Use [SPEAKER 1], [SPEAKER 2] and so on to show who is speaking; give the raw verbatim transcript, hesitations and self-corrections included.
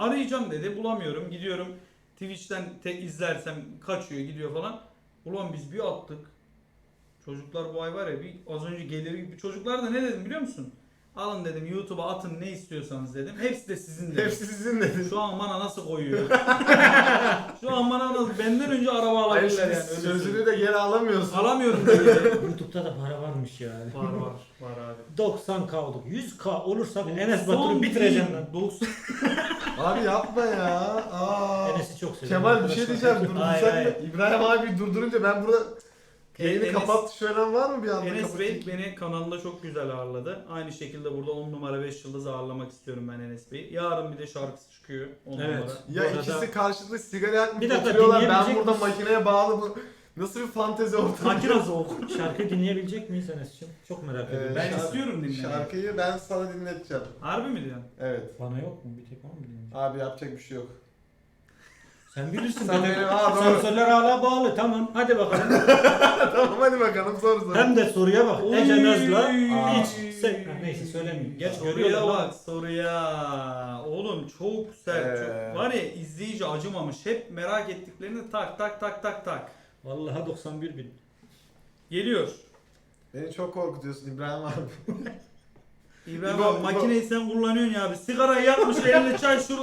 [SPEAKER 1] arayacağım dedi. Bulamıyorum. Gidiyorum Twitch'ten te izlersem kaçıyor gidiyor falan. Ulan biz bir attık. Çocuklar bu ay var ya bir az önce gelir gibi. Çocuklar da ne dedim biliyor musun? Alın dedim YouTube'a atın ne istiyorsanız dedim. Hepsi de sizin dedim.
[SPEAKER 2] Hepsi sizin dedi.
[SPEAKER 1] Şu an bana nasıl koyuyor? Şu an bana nasıl benden önce araba
[SPEAKER 2] Hayır
[SPEAKER 1] alabilirler
[SPEAKER 2] şimdi
[SPEAKER 1] yani. Öyle
[SPEAKER 2] sözünü
[SPEAKER 1] söyleyeyim.
[SPEAKER 2] de geri alamıyorsun.
[SPEAKER 1] Alamıyorum dedi.
[SPEAKER 3] YouTube'da da para varmış yani.
[SPEAKER 1] Var var var abi.
[SPEAKER 3] doksan K olduk. yüz K olursak Enes
[SPEAKER 1] Son
[SPEAKER 3] Batur'u bitireceğim
[SPEAKER 1] değil,
[SPEAKER 3] lan.
[SPEAKER 1] doksan
[SPEAKER 2] Abi yapma ya. Aa.
[SPEAKER 3] Enes'i çok seviyorum.
[SPEAKER 2] Kemal bir şey
[SPEAKER 3] arkadaşlar.
[SPEAKER 2] diyeceğim.
[SPEAKER 3] Hayır,
[SPEAKER 2] Durdursak
[SPEAKER 3] hayır.
[SPEAKER 2] mı? İbrahim abi durdurunca ben burada yayını
[SPEAKER 1] Enes-
[SPEAKER 2] kapat söylen var mı bir anda?
[SPEAKER 1] Enes Bey
[SPEAKER 2] Kapatayım.
[SPEAKER 1] beni kanalında çok güzel ağırladı. Aynı şekilde burada on numara beş yıldız ağırlamak istiyorum ben Enes Bey'i. Yarın bir de şarkısı çıkıyor on
[SPEAKER 3] Evet.
[SPEAKER 1] numara.
[SPEAKER 2] Ya
[SPEAKER 3] Bu arada-
[SPEAKER 2] ikisi karşılıklı sigara yakmış
[SPEAKER 3] Bir dakika,
[SPEAKER 2] oturuyorlar. Ben
[SPEAKER 3] dinleyebilecek
[SPEAKER 2] burada
[SPEAKER 3] misin?
[SPEAKER 2] makineye bağlı bu. Nasıl bir fantezi ortamı?
[SPEAKER 1] Makine soğuk.
[SPEAKER 3] Şarkı dinleyebilecek miyiz Enes'ciğim? Çok merak
[SPEAKER 2] Ee,
[SPEAKER 3] ediyorum.
[SPEAKER 1] Ben
[SPEAKER 2] şarkı-
[SPEAKER 1] istiyorum dinlemeyi.
[SPEAKER 2] Şarkıyı ben sana dinleteceğim.
[SPEAKER 1] Harbi mi diyorsun?
[SPEAKER 2] Evet.
[SPEAKER 3] Bana yok mu? Bir tek bana mı dinleyeceksin?
[SPEAKER 2] Abi yapacak bir şey yok.
[SPEAKER 3] Sen bilirsin.
[SPEAKER 2] Sen
[SPEAKER 3] benim-
[SPEAKER 2] benim- Aa, doğru.
[SPEAKER 3] Sensörler hala bağlı. Tamam. Hadi bakalım.
[SPEAKER 2] Tamam hadi bakalım sor sor.
[SPEAKER 3] Hem de soruya bak.
[SPEAKER 1] Oy.
[SPEAKER 3] Ece Naz'la
[SPEAKER 2] Aa.
[SPEAKER 3] hiç. Sen, ha, neyse söylemeyeyim. Geç
[SPEAKER 1] Soruya
[SPEAKER 3] görüyorlar
[SPEAKER 1] bak
[SPEAKER 3] lan.
[SPEAKER 1] soruya. Oğlum çok sert.
[SPEAKER 2] Ee.
[SPEAKER 1] Çok... Var ya izleyici acımamış. Hep merak ettiklerini tak tak tak tak tak.
[SPEAKER 3] Vallahi doksan bir bin.
[SPEAKER 1] Geliyor.
[SPEAKER 2] Beni çok korkutuyorsun İbrahim abi.
[SPEAKER 1] İbrahim
[SPEAKER 2] İbo-
[SPEAKER 1] abi, makineyi sen kullanıyorsun ya abi. Sigarayı yakmış elinde çay şurada.